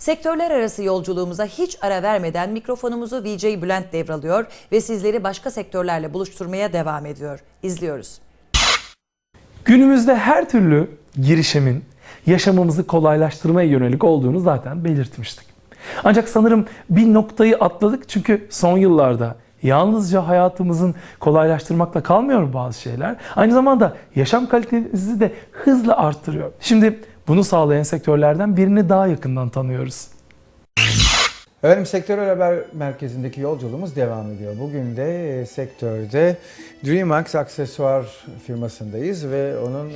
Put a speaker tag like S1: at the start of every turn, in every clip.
S1: Sektörler arası yolculuğumuza hiç ara vermeden mikrofonumuzu VJ Bülent devralıyor ve sizleri başka sektörlerle buluşturmaya devam ediyor. İzliyoruz.
S2: Günümüzde her türlü girişimin yaşamımızı kolaylaştırmaya yönelik olduğunu zaten belirtmiştik. Ancak sanırım bir noktayı atladık, çünkü son yıllarda yalnızca hayatımızın kolaylaştırmakla kalmıyor bazı şeyler. Aynı zamanda yaşam kalitemizi de hızla arttırıyor. Şimdi bunu sağlayan sektörlerden birini daha yakından tanıyoruz.
S3: Efendim, Sektörel Haber Merkezi'ndeki yolculuğumuz devam ediyor. Bugün de sektörde DreamMax aksesuar firmasındayız ve onun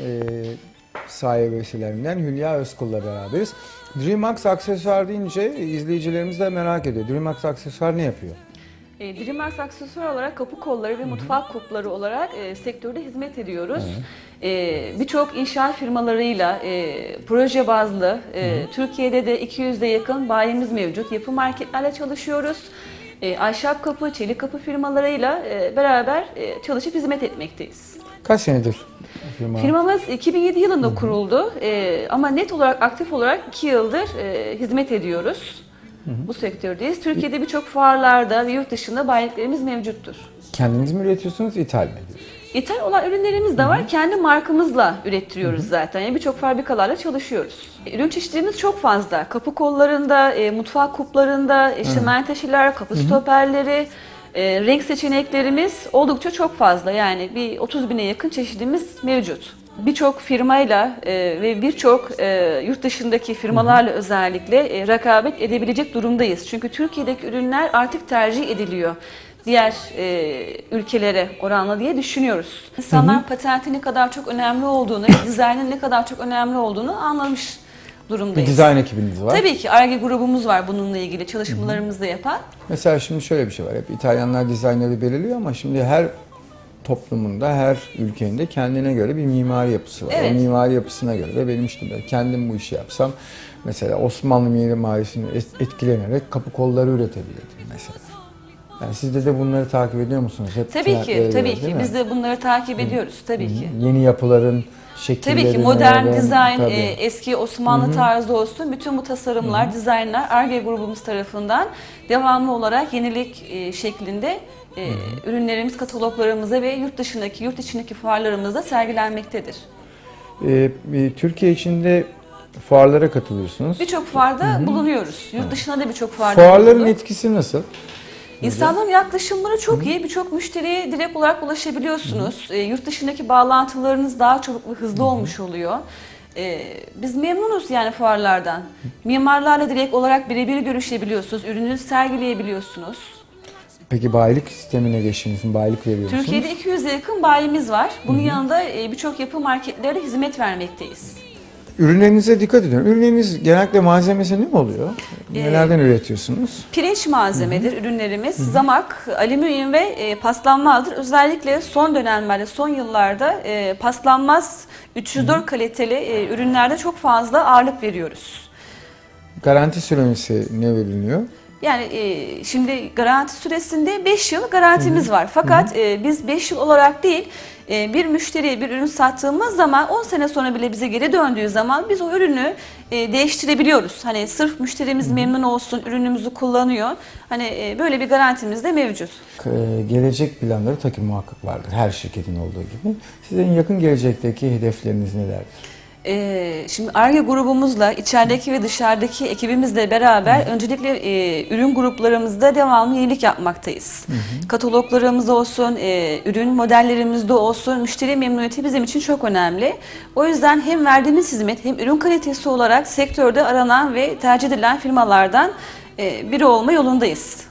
S3: sahibesilerinden Hülya Özkul'la beraberiz. DreamMax aksesuar deyince izleyicilerimiz de merak ediyor. DreamMax aksesuar ne yapıyor?
S4: DreamMax aksesuar olarak kapı kolları ve mutfak kupları olarak sektörde hizmet ediyoruz. Birçok inşaat firmalarıyla proje bazlı Türkiye'de de 200'e yakın bayimiz mevcut. Yapı marketlerle çalışıyoruz. Ahşap kapı, çelik kapı firmalarıyla beraber çalışıp hizmet etmekteyiz.
S3: Kaç senedir firma?
S4: Firmamız 2007 yılında kuruldu ama net olarak, aktif olarak 2 yıldır hizmet ediyoruz. Bu sektördeyiz. Türkiye'de birçok fuarlarda ve yurt dışında bayiliklerimiz mevcuttur.
S3: Kendiniz mi üretiyorsunuz, ithal mi ediyorsunuz?
S4: İthal olan ürünlerimiz de var. Kendi markamızla ürettiriyoruz zaten. Yani birçok fabrikalarla çalışıyoruz. Ürün çeşitlerimiz çok fazla. Kapı kollarında, mutfak kuplarında, menteşeler, kapı stoperleri, renk seçeneklerimiz oldukça çok fazla. Yani bir 30 bine yakın çeşidimiz mevcut. Birçok firmayla ve birçok yurt dışındaki firmalarla özellikle rekabet edebilecek durumdayız. Çünkü Türkiye'deki ürünler artık tercih ediliyor diğer ülkelere oranla diye düşünüyoruz. İnsanlar patentin ne kadar çok önemli olduğunu, dizaynın ne kadar çok önemli olduğunu anlamış durumdayız.
S3: Bir dizayn ekibiniz var.
S4: Tabii ki Ar-Ge grubumuz var bununla ilgili çalışmalarımızı da yapan.
S3: Mesela şimdi şöyle bir şey var. Hep İtalyanlar dizaynları belirliyor ama şimdi her toplumunda, her ülkenin kendine göre bir mimari yapısı var.
S4: Evet.
S3: O mimari yapısına göre de benim işte kendim bu işi yapsam mesela Osmanlı mimarisini etkilenerek kapı kolları üretebilirdim mesela. Yani siz de bunları takip ediyor musunuz? Hep
S4: Tabii ki, tabii ki.
S3: değil mi?
S4: Biz de bunları takip ediyoruz tabii ki.
S3: Yeni yapıların şekilleri.
S4: Tabii ki modern dizayn,
S3: tabii.
S4: eski Osmanlı tarzı olsun, bütün bu tasarımlar, dizaynlar Ar-Ge grubumuz tarafından devamlı olarak yenilik şeklinde ürünlerimiz kataloglarımıza ve yurt içindeki fuarlarımızda sergilenmektedir.
S3: Türkiye içinde fuarlara katılıyorsunuz.
S4: Birçok fuarda bulunuyoruz. Yurt dışında da birçok fuarda
S3: Fuarların
S4: bulunduk.
S3: etkisi nasıl?
S4: İnsanların yaklaşımları çok iyi. Birçok müşteriye direkt olarak ulaşabiliyorsunuz. Yurt dışındaki bağlantılarınız daha çabuk ve hızlı olmuş oluyor. Biz memnunuz yani fuarlardan. Mimarlarla direkt olarak birebir görüşebiliyorsunuz. Ürününüzü sergileyebiliyorsunuz.
S3: Peki bayilik sistemine geçtiniz mi? Bayilik veriyor musunuz?
S4: Türkiye'de 200'e yakın bayimiz var. Bunun yanında birçok yapı marketlerde hizmet vermekteyiz.
S3: Ürünlerinize dikkat ediyorum. Ürünleriniz genellikle malzemesi ne oluyor? Nelerden üretiyorsunuz?
S4: Pirinç malzemedir ürünlerimiz. Zamak, alüminyum ve paslanmazdır. Özellikle son dönemlerde, son yıllarda paslanmaz 304 kaliteli ürünlerde çok fazla ağırlık veriyoruz.
S3: Garanti süresi ne veriliyor?
S4: Yani şimdi garanti süresinde 5 yıl garantimiz var. Fakat biz 5 yıl olarak değil, bir müşteriye bir ürün sattığımız zaman 10 sene sonra bile bize geri döndüğü zaman biz o ürünü değiştirebiliyoruz. Hani sırf müşterimiz memnun olsun, ürünümüzü kullanıyor. Hani böyle bir garantimiz de mevcut.
S3: Gelecek planları tabii ki muhakkak vardır. Her şirketin olduğu gibi. Sizin yakın gelecekteki hedefleriniz nelerdir?
S4: Şimdi Ar-Ge grubumuzla içerideki ve dışarıdaki ekibimizle beraber öncelikle ürün gruplarımızda devamlı yenilik yapmaktayız. Kataloglarımız olsun, ürün modellerimizde olsun, müşteri memnuniyeti bizim için çok önemli. O yüzden hem verdiğimiz hizmet hem ürün kalitesi olarak sektörde aranan ve tercih edilen firmalardan biri olma yolundayız.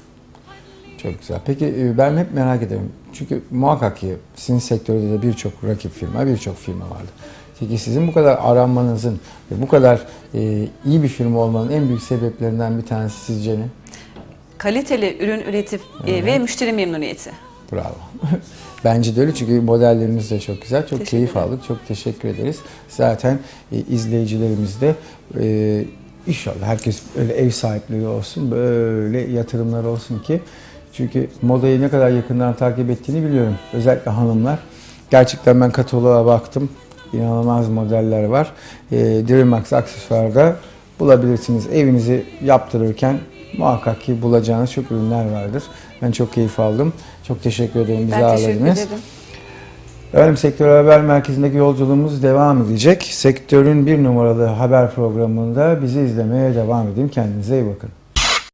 S3: Çok güzel. Peki ben hep merak ederim. Çünkü muhakkak ki sizin sektörde de birçok rakip firma, birçok firma vardı. Peki sizin bu kadar aranmanızın ve bu kadar iyi bir firma olmanın en büyük sebeplerinden bir tanesi sizce ne?
S4: Kaliteli ürün üretip ve müşteri memnuniyeti.
S3: Bravo. Bence de öyle, çünkü modelleriniz de çok güzel. Çok keyif aldık. Çok teşekkür ederiz. Zaten izleyicilerimiz de inşallah herkes öyle ev sahipliği olsun, böyle yatırımlar olsun ki. Çünkü modayı ne kadar yakından takip ettiğini biliyorum. Özellikle hanımlar. Gerçekten ben kataloğa baktım. İnanılmaz modeller var. DreamMax aksesuarda bulabilirsiniz. Evinizi yaptırırken muhakkak ki bulacağınız çok ürünler vardır. Ben çok keyif aldım. Çok teşekkür ederim bizi
S4: Ben teşekkür
S3: ağırladınız.
S4: ederim.
S3: Efendim, Sektör Haber Merkezi'ndeki yolculuğumuz devam edecek. Sektörün bir numaralı haber programında bizi izlemeye devam edin. Kendinize iyi bakın.